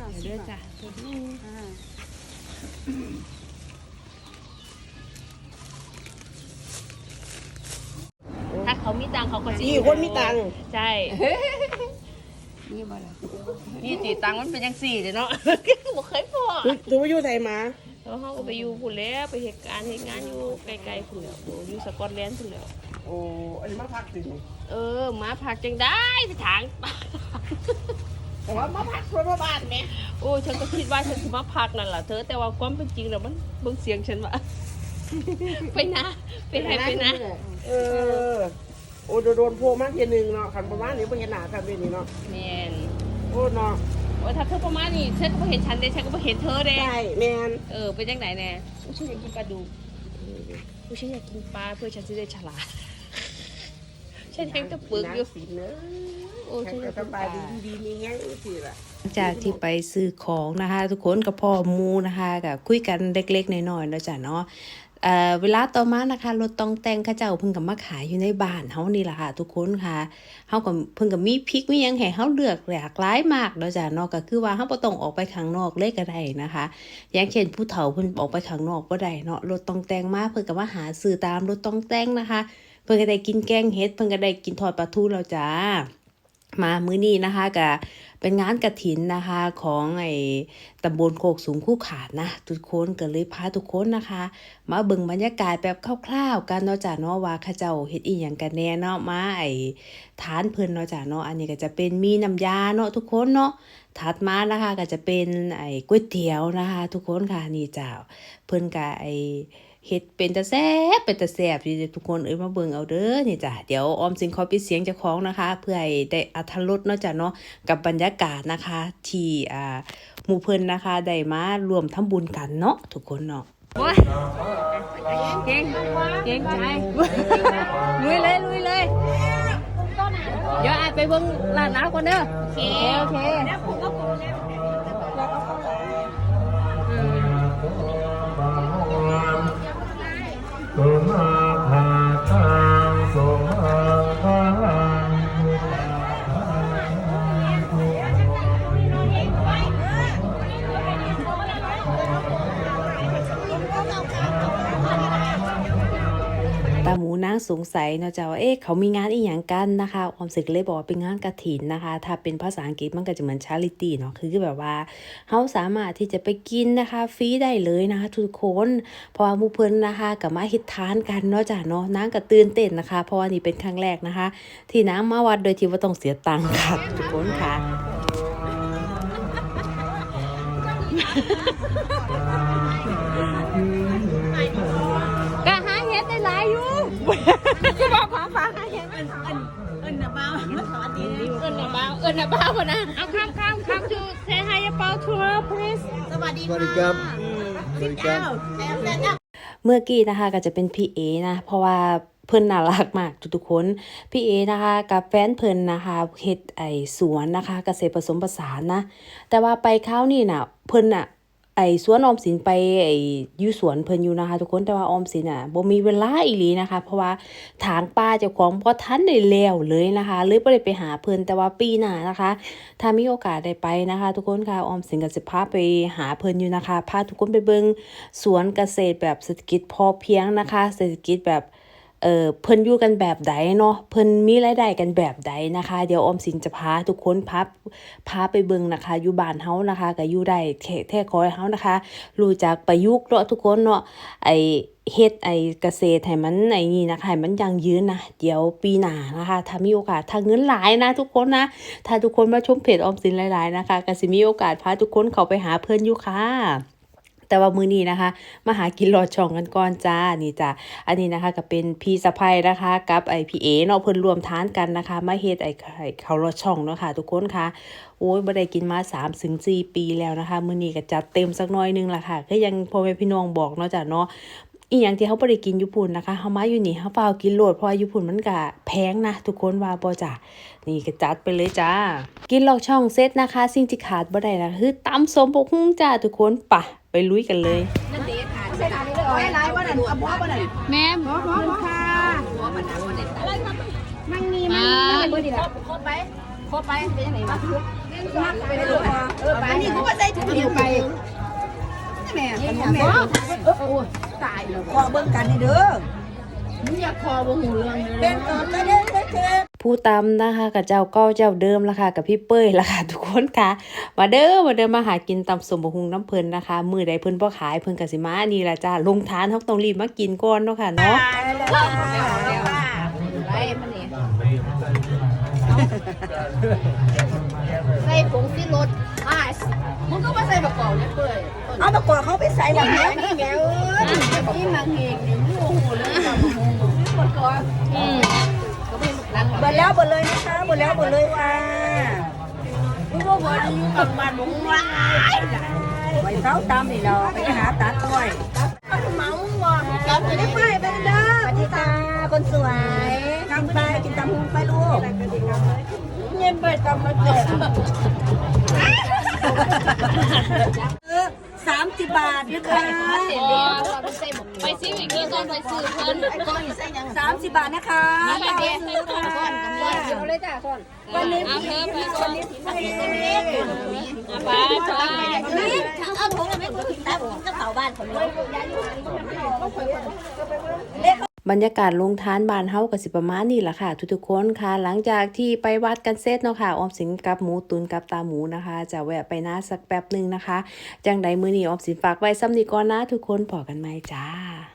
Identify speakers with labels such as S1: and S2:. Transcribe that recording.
S1: เด้อจ้ะถ้าเขามีตังเขาก็
S2: สี่คนมีตัง
S1: ใช่
S2: นี่บ่ล่ะ
S1: นี่ตีตังมันเป็นยังสี่เลยเนาะบ่เคยพอ
S2: ถือว่าอยู่ไทยมา
S1: แล้วเขาก็ไปอยู่พุ่นแล้วไปเหตุการณ์เหตุงานอยู่ไกลๆพุ่นแล้วอยู่สกอตแลนด์พุ่นแล้ว
S2: โอ้อันนี้มาพักสิ
S1: มาพักจังได้ไปถาง
S2: แต่ว่ามาพักเพื่อบ้านไหม
S1: โอ้ฉันก็คิดว่าฉันจะมาพักนั่นแหละเธอแต่ว่าความเป็นจริงแล้วมันเบิ่งเสียงฉันว่าไปนะไปไหนไปนะ
S2: โอ้โดนโพมากทีนึงเนาะขันประมาณนี้ไม่เห็นหนากันเลยนี่เนาะ
S1: แมน
S2: โอ้เนาะ
S1: โอ้ถ้าเธอประมาณนี้ฉันก็ไม่เห็นฉันเด้ฉันก็ไม่เห็นเธอเด้
S2: ใช่แมน
S1: เป็นจังไหนแน่ฉันอยากกินปลาดุกฉันอยากกินปลาเพื่อฉันจะได้ฉลาดฉันยังจะปึกอยู่
S2: โอ้ฉันจะสบายดีนี่แง่สิล่ะ
S3: จากที่ไปซื้อของนะคะทุกคนกับพ่อมูนะคะกับคุยกันเล็กๆน้อยๆแล้วจ้ะเนาะเวลาต่อมานะคะรถต้องแต่งข้าเจ้าเพิ่งกับมาขายอยู่ในบ้านเฮานี่แหละค่ะทุกคนค่ะเฮาก็เพิ่งกับมีพริกมีหยังให้เฮาเลือกหลากหลายมากแล้วจ้ะเนาะก็คือว่าเฮาบ่ต้องออกไปข้างนอกเลยก็ได้นะคะอย่างเช่นผู้เฒ่าเพิ่นออกไปข้างนอกบ่ได้เนาะรถต้องแต่งมาเพิ่นก็มาหาซื้อตามรถต้องแต่งนะคะเพิ่นก็ได้กินแกงเห็ดเพิ่นก็ได้กินทอดปลาทูแล้วจ้ามามื้อนี้นะคะก็เป็นงานกฐินนะคะของตำบลโคกสูงคู่ขาดนะทุกคนก็เลยพาทุกคนนะคะมาเบิ่งบรรยากาศแบบคร่าวๆกันเนาะจ้ะเนาะว่าเขาเจ้าเฮ็ดอีหยังกันแน่เนาะมาฐานเพิ่นเนาะจ้ะเนาะอันนี้ก็จะเป็นมีน้ำยาเนาะทุกคนเนาะถัดมานะคะก็จะเป็นก๋วยเตี๋ยวนะคะทุกคนค่ะนี่จ้าเพิ่นก็เฮ็ดเป็นตาแซ่บที่ทุกคนมาเบิ่งเอาเด้อนี่จ้ะเดี๋ยวออมสินขอปิดเสียงเจ้าของนะคะเพื่อให้ได้อรรถรสเนาะจ้ะเนาะกับบรรยากาศนะคะที่หมู่เพิ่นนะคะได้มารวมทำบุญกันเนาะทุกคนเนาะโอ้ยเก่งใจลุยเลยเดี๋ยวไปเบิ่งร้านน้ำก่อนเด้อโอเค
S4: สุมาภาทังสุมาภาลัง
S3: ตาหมูนางสงสัยเนาะจ้าว่าเขามีงานอีหยังกันนะคะออมสินเลยบอกว่าเป็นงานกฐินนะคะถ้าเป็นภาษาอังกฤษมันก็จะเหมือน charity เนาะคือแบบว่าเขาสามารถที่จะไปกินนะคะฟรีได้เลยนะคะทุกคนเพราะว่าหมู่เพิ่นนะคะกับมาเฮ็ดทานกันเนาะจ้าเนาะนางก็ตื่นเต้นนะคะเพราะว่านี่เป็นครั้งแรกนะคะที่นางมาวัดโดยที่ว่าต้องเสียตังค์ค่ะทุกคนค่ะ
S1: ก็บอกของฝากให้เอิ้นน่ะบ้าสวัสดีเอิ้นน่ะบ้าบ่นะเอาข้ามจู say hi about to her please
S5: สวัสดีครับสวัสดีครับ
S3: เมื่อกี้นะคะก็จะเป็นพี่เอนะเพราะว่าเพิ่นน่ารักมากทุกคนพี่เอนะคะกับแฟนเพิ่นนะคะเฮ็ดสวนนะคะเกษตรผสมผสานนะแต่ว่าไปคราวนี้น่ะเพิ่นน่ะสวนออมสินไปอยู่สวนเพิ่นอยู่นะคะทุกคนแต่ว่าออมสินบ่มีเวลาอีหลีนะคะเพราะว่าทางป่าเจ้าของบ่ทันได้แล้วเลยนะคะเลยบ่ได้ไปหาเพิ่นแต่ว่าปีหน้านะคะถ้ามีโอกาสได้ไปนะคะทุกคนค่ะออมสินก็สิพาไปหาเพิ่นอยู่นะคะพาทุกคนไปเบิ่งสวนเกษตรแบบเศรษฐกิจพอเพียงนะคะเศรษฐกิจแบบเพิ่นอยู่กันแบบใดเนาะเพิ่นมีรายได้กันแบบใดนะคะเดี๋ยวออมสินจะพาทุกคนพาไปเบิ่งนะคะอยู่บ้านเฮานะคะก็อยู่ได้แท้คอยเฮานะคะรู้จักประยุกต์เนาะทุกคนเนาะเฮ็ดเกษตรให้มันนี่นะคะให้มันยั่งยืนนะเดี๋ยวปีหน้านะคะถ้ามีโอกาสถ้าเงินหลายนะทุกคนนะถ้าทุกคนมาชมเพจออมสินหลายๆนะคะก็สิมีโอกาสพาทุกคนเข้าไปหาเพิ่นอยู่ค่ะแต่ว่ามื้อนี้นะคะมาหากินลอดช่องกันก่อนจ้านี่จ้าอันนี้นะคะก็เป็นพี่สะใภ้นะคะกับพี่เอเนาะเพิ่นรวมทานกันนะคะมาเฮ็ดข้าวลอดช่องเนาะค่ะทุกคนค่ะโอ้ยบ่ได้กินมา 3-4 ปีแล้วนะคะมื้อนี้ก็จัดเต็มสักหน่อยนึงล่ะค่ะก็ยังพ่อแม่พี่น้องบอกเนาะจ้ะเนาะอีหยังที่เฮาบ่ได้กินอยู่พุ่นนะคะเฮามาอยู่นี่เฮาเฝ้ากินโลดเพราะอยู่พุ่นมันก็แพงนะทุกคนว่าบ่จ้ะนี่ก็จัดไปเลยจ้ากินลอดช่องเสร็จนะคะสิ่งที่ขาดบ่ได้นะคือตำส้มบกหุ่งจ้าทุกคนไปลุยกันเลย
S5: นั่นเด็ดค่ะใช่เลยได้หลายบ่นั่นเอาบ่บ่นั่น
S1: แม่
S5: บ่ค่ะบ่บ่นั่นบ่ได้อะไรครับมันมีบ่ดีล่ะครบไปเป็นจังได๋วะอันนี้เขาก็ใส่ถุงเดียวไปแม่ขนมแม่ตายแล้วขอเบิ่งกันนี่เด้อมึงอยากคอบ่หูเรื่องเป็นก่อนก็ได้เด้อ
S3: ผู้ตำนะคะกับเจ้าเก้าเจ้าเดิมละค่ะกับพี่เป้ยละค่ะทุกคนค่ะมาเด้อมาหากินตำสมบหุงน้ำเพิ่นนะคะมือใดเพิ่นบ่ขายเพิ่นก็สิมานี่ล่ะจ้าลงทานเฮาต้องรีบมากินก่อนเนาะค่ะเนาะ
S1: ใส่ผงที่รถมึงก็มาใส่ประกอบเนี่ยเปื่อย
S5: เอาตะกั่วเขาไปใส่หลังนี้
S1: นี่แมวนี่มังเฮงนี่โอ้โหเลยประกอบ
S5: เบิดแล้วเบิดเลยนะคะเบิดแล้วเบิดเลยว่า
S1: มึงก็บอกอยู่กับบ้านมึงว่า
S5: ไปเขาตามนี่เราไปหาตัดต้อยเมาว่ะกับไปได้ไปเด้อสวัสดีค่ะคนสวยทำไปกินตำหุงไปลูกเย็นไปตำมาเจ็บ30 บาทนะคะ
S1: ไปซื้ออีกทีก่อนไปซื้อเพิ่น
S5: 30 บาทนะคะซื้อค่ะวันนี้วันนี้
S1: ไป
S5: เอาถุงอะไรไม่ถึงตาผมก็เผาบ้านผมเลย
S3: บรรยากาศลงทานบ้านเฮาก็สิประมาณนี้ล่ะค่ะทุกๆคนค่ะหลังจากที่ไปวัดกันเสร็จเนาะค่ะออมสินกับหมูตุนกับตาหมูนะคะจะแวะไปนาสักแป๊บนึงนะคะจังใดมื้อนี้ออมสินฝากไว้ซ้ำนี้ก่อนนะทุกคนพอกันใหม่จ้า